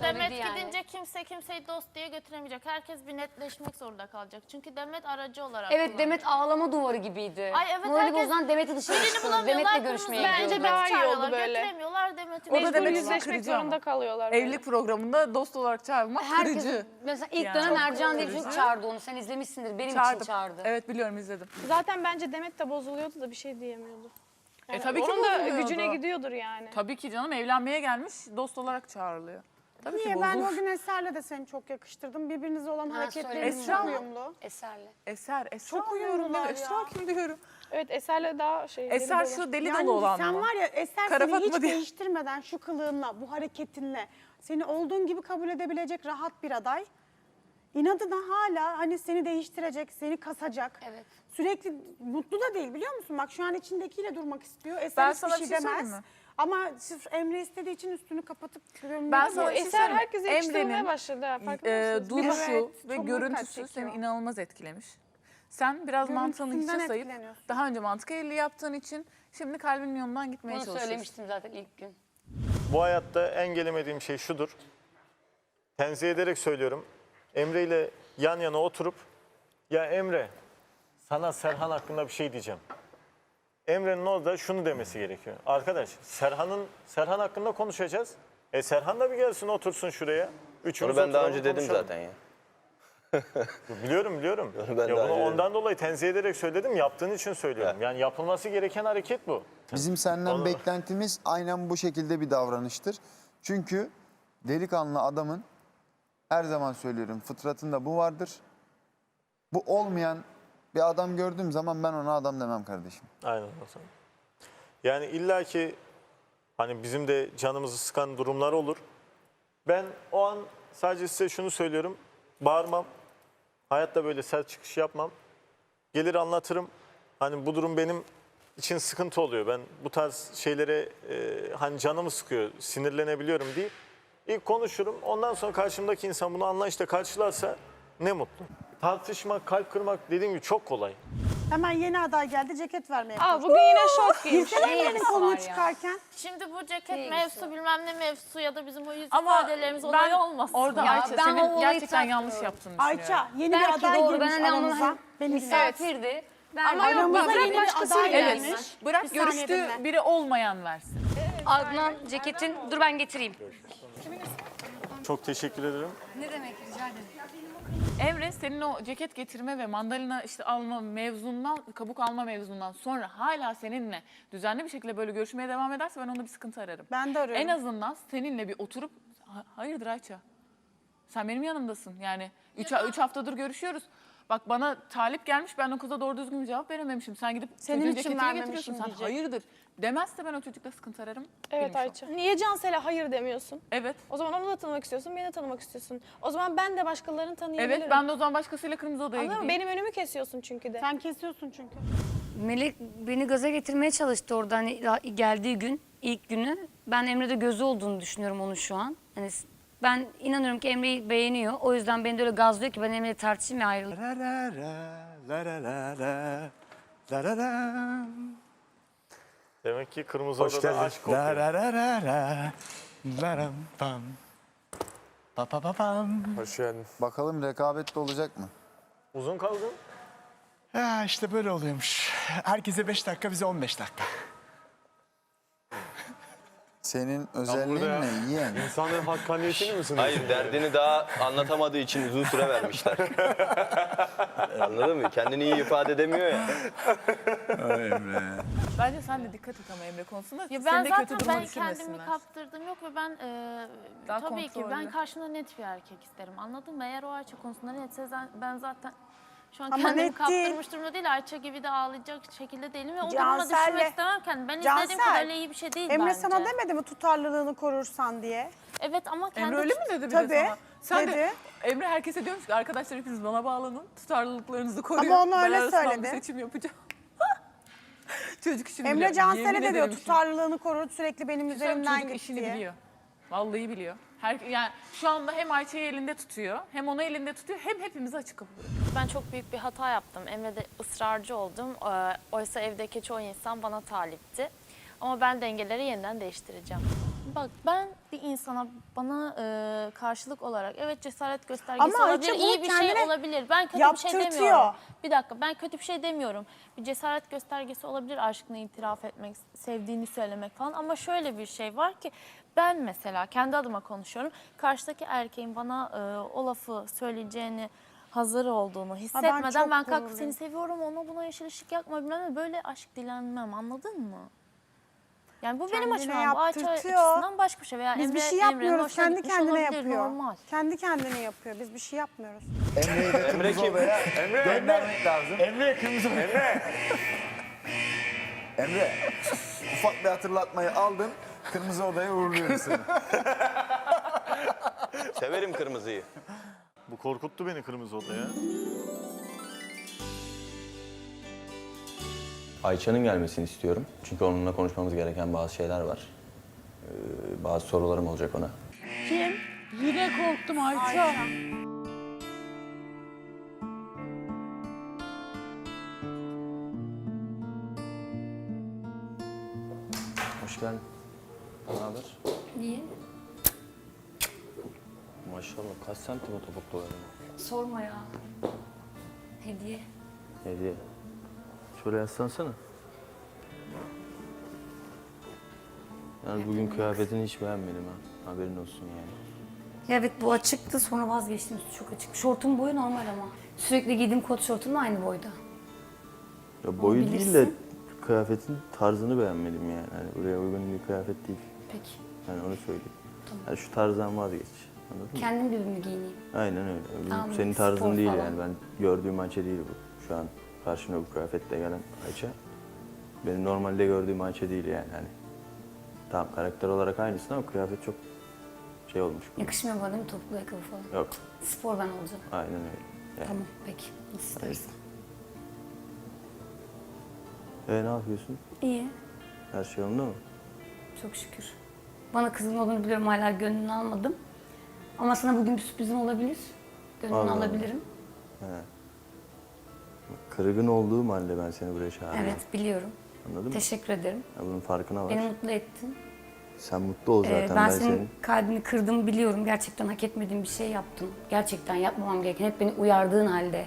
Şimdi Demet yani. gidince kimse kimseyi dost diye götüremeyecek. Herkes bir netleşmek zorunda kalacak. Çünkü Demet aracı olarak Evet kullanıyor. Demet ağlama duvarı gibiydi. Ay evet, Morali herkes bozulan Demet'i dışarı birini çıkıyor. bulamıyorlar, Demet'le görüşmeye kırmızı gidiyordu. Bence daha iyi oldu çağırıyorlar, böyle. götüremiyorlar Demet'i. O da Mecbur Demet için yüzleşmek kırıcı ama. zorunda kalıyorlar. böyle. Evlilik programında dost olarak çağırmak Herkes, kırıcı. mesela ilk Yani. dönem Çok Ercan diye bir kırıcı. çocuk çağırdı onu. Sen izlemişsindir. Benim için Çağırdım. çağırdı. Evet biliyorum, izledim. Zaten bence Demet de bozuluyordu da bir şey diyemiyordu. Yani tabii ki onun da bozuluyordu. gücüne gidiyordur yani. Tabii ki canım, evlenmeye gelmiş, dost olarak çağrılıyor. Tabii ki Niye? Ben bozulur. o gün Eser'le de seni çok yakıştırdım. Birbirinize olan hareketleriniz söyledim. çok Esra mı? uyumlu. Eser'le. Esra Çok diyorum ya. uyumlular Esra ya. kim diyorum. Evet Eser'le daha şey. Eser deli dolu. şu deli Yani dolu olan sen mı? var ya Eser Kara seni Fatma hiç diye. değiştirmeden şu kılığınla, bu hareketinle seni olduğun gibi kabul edebilecek rahat bir aday. İnadına hala hani seni değiştirecek, seni kasacak. Evet. Sürekli mutlu da değil biliyor musun? Bak şu an içindekiyle durmak istiyor. Eser Ben hiçbir sana şey bir şey demez. söyleyeyim mi? Ama sırf Emre istediği için üstünü kapatıp Ben sana bir şey Eser söyleyeyim mi? herkese yakıştırmaya Emre'nin, başladı. ha, Farkında mısınız? duruşu Evet, ve çok görüntüsü dikkat seni çekiyor. inanılmaz etkilemiş. Sen biraz mantığını Görüntüsünden hiçe sayıp etkileniyorsun. daha önce mantık evliliği yaptığın için şimdi kalbinin yolundan gitmeye Bunu çalışıyorsun. söylemiştim zaten ilk gün. Bu hayatta en gelemediğim şey şudur. Tenzih ederek söylüyorum. Emre ile yan yana oturup ya Emre sana Serhan hakkında bir şey diyeceğim. Emre'nin orada şunu demesi gerekiyor. Arkadaş Serhan hakkında konuşacağız. Serhan da bir gelsin otursun şuraya. Üçümüz Onu ben daha oturalım, önce dedim konuşalım. zaten ya. Biliyorum. Onu ben Ya daha bunu önce ondan dolayı tenzih ederek söyledim. Yaptığın için söylüyorum. Yani yapılması gereken hareket bu. Bizim senden Onu- beklentimiz aynen bu şekilde bir davranıştır. Çünkü delikanlı adamın, her zaman söylüyorum, fıtratında bu vardır. Bu olmayan bir adam gördüğüm zaman ben ona adam demem kardeşim. Aynen o zaman. Yani illaki hani bizim de canımızı sıkan durumlar olur. Ben o an sadece size şunu söylüyorum. Bağırmam. Hayatta böyle sert çıkış yapmam. Gelir anlatırım. Hani bu durum benim için sıkıntı oluyor. Ben bu tarz şeylere hani canımı sıkıyor, sinirlenebiliyorum deyip ilk konuşurum. Ondan sonra karşımdaki insan bunu anlayışla karşılarsa ne mutlu. Tartışmak, kalp kırmak dediğim gibi çok kolay. Hemen yeni aday geldi ceket vermeye. Aa bugün yine şort giymiş. Girsene Emre'nin ilgisi var kolunu ya? çıkarken. Şimdi bu ceket ilgisi mevzusu bilmem ne mevzusu ya da bizim o yüz Ama ifadelerimiz ben olayı olmasın. orada Ya Ayça ben o senin olayı gerçekten yanlış takmıyorum. yaptığını düşünüyorum. Ayça yeni bir Belki aday doğru. Ben girmiş hani aramıza. onun Beni misafirdi. Ben Ama yok, Aramıza bırak yeni bir başkası aday gelmiş. gelmiş. Bırak Bir saniye görüştüğü dinle. biri olmayan versin. Adnan ceketin, dur ben getireyim. Çok teşekkür ederim. Ne demek, rica ederim. Emre senin o ceket getirme ve mandalina işte alma mevzundan, kabuk alma mevzundan sonra hala seninle düzenli bir şekilde böyle görüşmeye devam ederse ben onda bir sıkıntı ararım. Ben de arıyorum. En azından seninle bir oturup hayırdır Ayça? Sen benim yanımdasın. Yani 3 haftadır görüşüyoruz. Bak bana talip gelmiş, ben o kıza doğru düzgün bir cevap verememişim. Sen gidip Senin çocuğun için ceketini vermemişim getiriyorsun. Sen diyecek. hayırdır demezse ben o çocukla sıkıntı ararım. Evet Benim şu an. Ayça. Niye Cansel'e hayır demiyorsun? Evet. O zaman onu da tanımak istiyorsun, beni de tanımak istiyorsun. O zaman ben de başkalarını tanıyabilirim. Evet ben de o zaman başkasıyla kırmızı odaya Anladın mı? gideyim. Benim önümü kesiyorsun çünkü de. Sen kesiyorsun çünkü. Melek beni gaza getirmeye çalıştı orada hani geldiği gün, ilk günü. Ben Emre'de gözü olduğunu düşünüyorum onun şu an. Hani ben inanıyorum ki Emre'yi beğeniyor. O yüzden beni de öyle gazlıyor ki ben Emre'yle tartışayım ve ayrılayım. Demek ki Kırmızı Hoş Oda'da geldin. aşk kokuyor. Hoş geldin. Bakalım rekabetli olacak mı? Uzun kaldın. Ya işte böyle oluyormuş. Herkese 5 dakika, bize 15 dakika. Senin özelliğin burada ne yeğen? İnsanların hakkaniyetini mi sınıyorsun? Hayır, derdini daha anlatamadığı için uzun süre vermişler. Anladın mı? Kendini iyi ifade edemiyor ya. Bence sen de dikkat et ama Emre konusunda. Ya Seni ben de zaten kötü duruma kendimi düşürmesinler. kaptırdım yok ve ben Daha tabii ki ben kontrollü. karşımda net bir erkek isterim. Anladın mı? Eğer o Ayça konusunda netse ben zaten şu an Ama kendimi net değil. kaptırmış durumda değil. Ayça gibi de ağlayacak şekilde değilim ve o duruma Cansel'le- düşmek istemem kendimi. Ben istediğim Cansel, kadar öyle iyi bir şey değil Emre bence. sana demedi mi tutarlılığını korursan diye? Evet ama kendi Emre öyle mi dedi bir Tabii, de sana? Sen dedi. de Emre herkese diyormuş ki arkadaşlar hepiniz bana bağlanın. Tutarlılıklarınızı koruyun. Ama onu Ben öyle arasından söyledi. bir seçim yapacağım. Çocuk işini Emre biliyor. Cansel'e Yemin de diyor ederim işini- tutarlılığını korur sürekli benim Çocuk üzerimden git işini diye. biliyor. Vallahi biliyor. Yani şu anda hem Ayça'yı elinde tutuyor, hem onu elinde tutuyor, hem hepimizi açık kapı. Ben çok büyük bir hata yaptım. Emre'de ısrarcı oldum. Oysa evdeki çoğu insan bana talipti. Ama ben dengeleri yeniden değiştireceğim. Bak ben bir insana bana karşılık olarak evet cesaret göstergesi Ama olabilir, Ayça bu iyi bir şey kendine olabilir. Ben kötü bir şey yaptırtıyor. demiyorum. Bir dakika, ben kötü bir şey demiyorum. Bir cesaret göstergesi olabilir aşkını itiraf etmek, sevdiğini söylemek falan. Ama şöyle bir şey var ki ben mesela kendi adıma konuşuyorum. Karşıdaki erkeğin bana o lafı söyleyeceğini hazır olduğunu hissetmeden çok ben kalkıp gururluyum. seni seviyorum, ona buna yeşil ışık yakma bilmem ne, böyle aşk dilenmem, anladın mı? Yani bu benim Kendine açımdan, bu Ayça yaptırtıyor. açısından başka bir şey. Veya Biz bir şey Emre'nin yapmıyoruz. hoşuna Kendi gitmiş kendine olabilir, yapıyor. normal. Kendi kendine yapıyor. Biz bir şey yapmıyoruz. Emre'yi de kırmızı odaya göndermek lazım. Emre kırmızı. Emre, ufak bir hatırlatmayı aldın. Kırmızı odaya uğurluyoruz seni. Severim kırmızıyı. Bu korkuttu beni kırmızı odaya. Ayça'nın gelmesini istiyorum. Çünkü onunla konuşmamız gereken bazı şeyler var. Bazı sorularım olacak ona. Kim? Yine korktum Ayça. Hoş geldin. Ne haber? Niye? Maşallah kaç santim o topuklu öyle? Sorma ya. Hediye. Hediye. Şöyle yaslansana. Yani bugün kıyafetini hiç beğenmedim ha. Haberin olsun yani. Ya evet, bu açıktı, sonra vazgeçtim, üstü çok açık. Şortun boyu normal ama. Sürekli giydiğim kot şortumla aynı boyda. Ya boyu değil de bilirsin. kıyafetin tarzını beğenmedim yani. Hani buraya uygun bir kıyafet değil. Peki. Yani onu söyleyeyim. Yani şu tarzdan vazgeç. Anladın mı? Kendim gibi mi giyineyim? Aynen öyle. Tamam, Senin spor tarzın değil falan. yani. Ben gördüğüm Ayça değil bu. Şu an karşına bu kıyafetle gelen Ayça. Benim normalde gördüğüm Ayça değil yani. Hani tamam karakter olarak aynısın ama kıyafet çok şey olmuş. Yakışmıyor bana değil mi topuklu ayakkabı falan? Yok. Spor ben olacağım. Aynen öyle. Yani. Tamam, peki. Nasıl istersen. Ne yapıyorsun? İyi, Her şey yolunda mı? çok şükür. Bana kızın olduğunu biliyorum, hala gönlünü almadım. Ama sana bugün bir sürprizim olabilir. Gönlünü Allah Allah. alabilirim. Kırgın olduğum halde ben seni buraya çağırdım. Evet, biliyorum. Anladın mı? Teşekkür ederim. Ya bunun farkına var. Beni mutlu ettin. Sen mutlu ol zaten. Ben ben senin senin. kalbini kırdım biliyorum. Gerçekten hak etmediğim bir şey yaptım. Gerçekten yapmamam gereken. Hep beni uyardığın halde.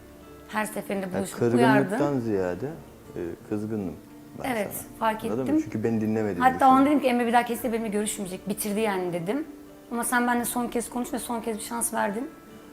Her seferinde Ya buluşup kırgınlıktan uyardın. ziyade kızgındım ben Evet, sana. fark Anladın ettim. mı? Çünkü beni dinlemediğini Hatta o an düşündüm. dedim ki Emre bir daha kesinlikle benimle görüşmeyecek. Bitirdi yani dedim. Ama sen benimle son kez konuş ve son kez bir şans verdin.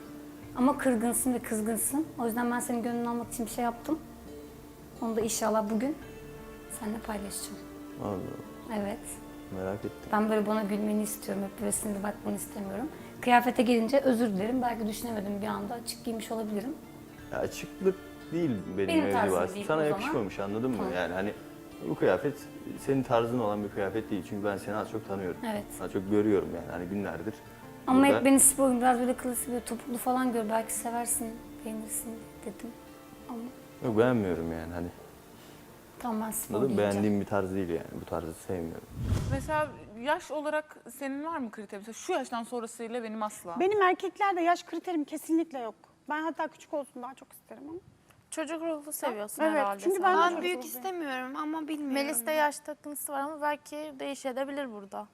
Ama kırgınsın ve kızgınsın. O yüzden ben senin gönlünü almak için bir şey yaptım. Onu da inşallah bugün seninle paylaşacağım. Allah Allah, Evet. merak ettim. Ben böyle bana gülmeni istiyorum. Hep böyle sinirli bakmanı istemiyorum. Kıyafete gelince özür dilerim. Belki düşünemedim bir anda. Açık giymiş olabilirim. Ya açıklık değil benim, Benim mevzu tarzım aslında. değil Sana o zaman. yakışmamış anladın mı? Tamam. Yani hani bu kıyafet senin tarzın olan bir kıyafet değil. Çünkü ben seni az çok tanıyorum. Evet. Az çok görüyorum yani hani günlerdir. Ama burada. hep beni spor gibi biraz böyle klasik, böyle topuklu falan gör. Belki seversin, beğenirsin dedim. Ama Yok beğenmiyorum yani hani. tamam, ben spor Anladın mı? giyeceğim. Beğendiğim bir tarz değil yani. Bu tarzı sevmiyorum. Mesela yaş olarak senin var mı kriter? Mesela şu yaştan sonrasıyla benim asla. Benim erkeklerde yaş kriterim kesinlikle yok. Ben hatta küçük olsun daha çok isterim ama. Çocuk ruhu seviyorsun Evet, herhalde çünkü sen. ben de Ben çocuk büyük olacağım. istemiyorum ama bilmiyorum. Melis'te yaş takıntısı var ama belki değişebilir burada.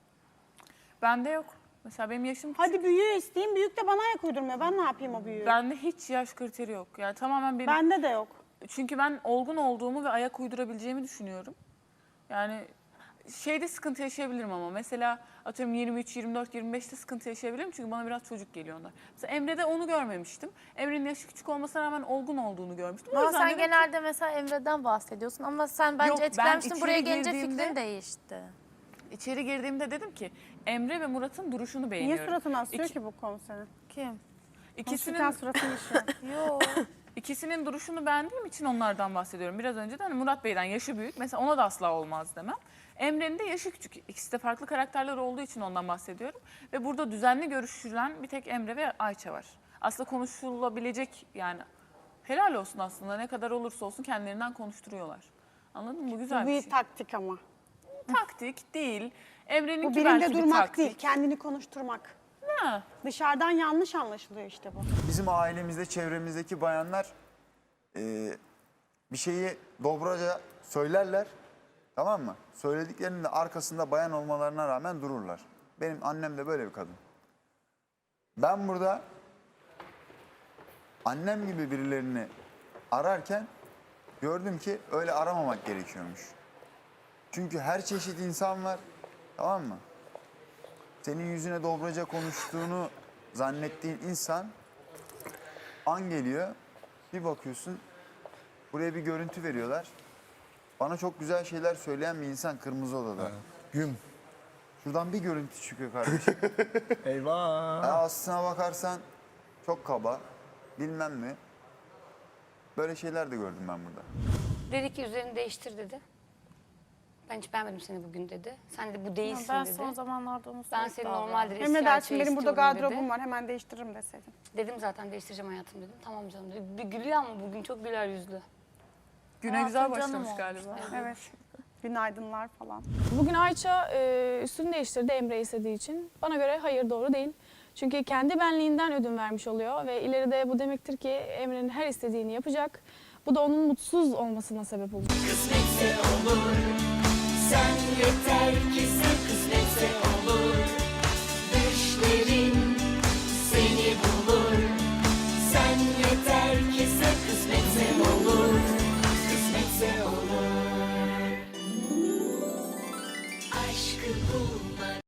Bende yok. Mesela benim yaşım küçük. Hadi büyüğü isteyeyim, büyük de bana ayak uydurmuyor. Ben ne yapayım o büyüğü? Bende hiç yaş kriteri yok. Yani tamamen benim. Bende de yok. Çünkü ben olgun olduğumu ve ayak uydurabileceğimi düşünüyorum. Yani şeyde sıkıntı yaşayabilirim ama mesela atıyorum 23, 24, 25'te sıkıntı yaşayabilirim çünkü bana biraz çocuk geliyor onlar. Mesela Emre'de onu görmemiştim. Emre'nin yaşı küçük olmasına rağmen olgun olduğunu görmüştüm. O Ama yüzden sen dedim ki- genelde mesela Emre'den bahsediyorsun ama sen bence Yok, ben etkilenmiştin. içeri Buraya gelince girdiğimde- fikrin değişti. İçeri girdiğimde dedim ki Emre ve Murat'ın duruşunu Niye beğeniyorum. suratını asıyor İki- ki bu konu senin? Kim? İkisinin, Konuşurken suratını işiyor. Yok. ikisinin duruşunu beğendiğim için onlardan bahsediyorum. Biraz önce de hani Murat Bey'den yaşı büyük. Mesela ona da asla olmaz demem. Emre'nin de yaşı küçük. İkisi de farklı karakterler olduğu için ondan bahsediyorum. Ve burada düzenli görüşülen bir tek Emre ve Ayça var. Aslında konuşulabilecek yani helal olsun aslında ne kadar olursa olsun kendilerinden konuşturuyorlar. Anladın mı? Bu güzel Bu bir bir şey. taktik ama. Taktik değil. Emre'nin Bu ki birinde belki bir durmak taktik. değil, kendini konuşturmak. Ha. Dışarıdan yanlış anlaşılıyor işte bu. Bizim ailemizde, çevremizdeki bayanlar bir şeyi dobraca söylerler. Tamam mı? Söylediklerinin de arkasında bayan olmalarına rağmen dururlar. Benim annem de böyle bir kadın. Ben burada annem gibi birilerini ararken gördüm ki öyle aramamak gerekiyormuş. Çünkü her çeşit insan var, tamam mı? Senin yüzüne dobraca konuştuğunu zannettiğin insan an geliyor, bir bakıyorsun buraya bir görüntü veriyorlar. Bana çok güzel şeyler söyleyen bir insan Kırmızı Oda'da. Güm. Şuradan bir görüntü çıkıyor kardeşim. Eyvah. Aslına bakarsan çok kaba, bilmem ne. Böyle şeyler de gördüm ben burada. Dedi ki üzerini değiştir dedi. Ben hiç beğenmedim seni bugün dedi. Sen de bu değilsin Ben dedi. son zamanlarda onu Ben sürekli seni davranıyorum. normaldir eski Emre dersin Ayça'yı benim burada istiyorum gardırobum dedi. var hemen değiştiririm deseydin. Dedim zaten değiştireceğim hayatım dedim. Tamam canım dedi. Bir gülüyor ama bugün çok güler yüzlü. Güne güzel Hayatım canım başlamış olmuş. galiba. Evet. Günaydınlar falan. Bugün Ayça üstünü değiştirdi Emre istediği için. Bana göre hayır, doğru değil. Çünkü kendi benliğinden ödün vermiş oluyor ve ileride bu demektir ki Emre'nin her istediğini yapacak. Bu da onun mutsuz olmasına sebep olacak. Kısmetse olur. Sen yeter ki sen kısmet.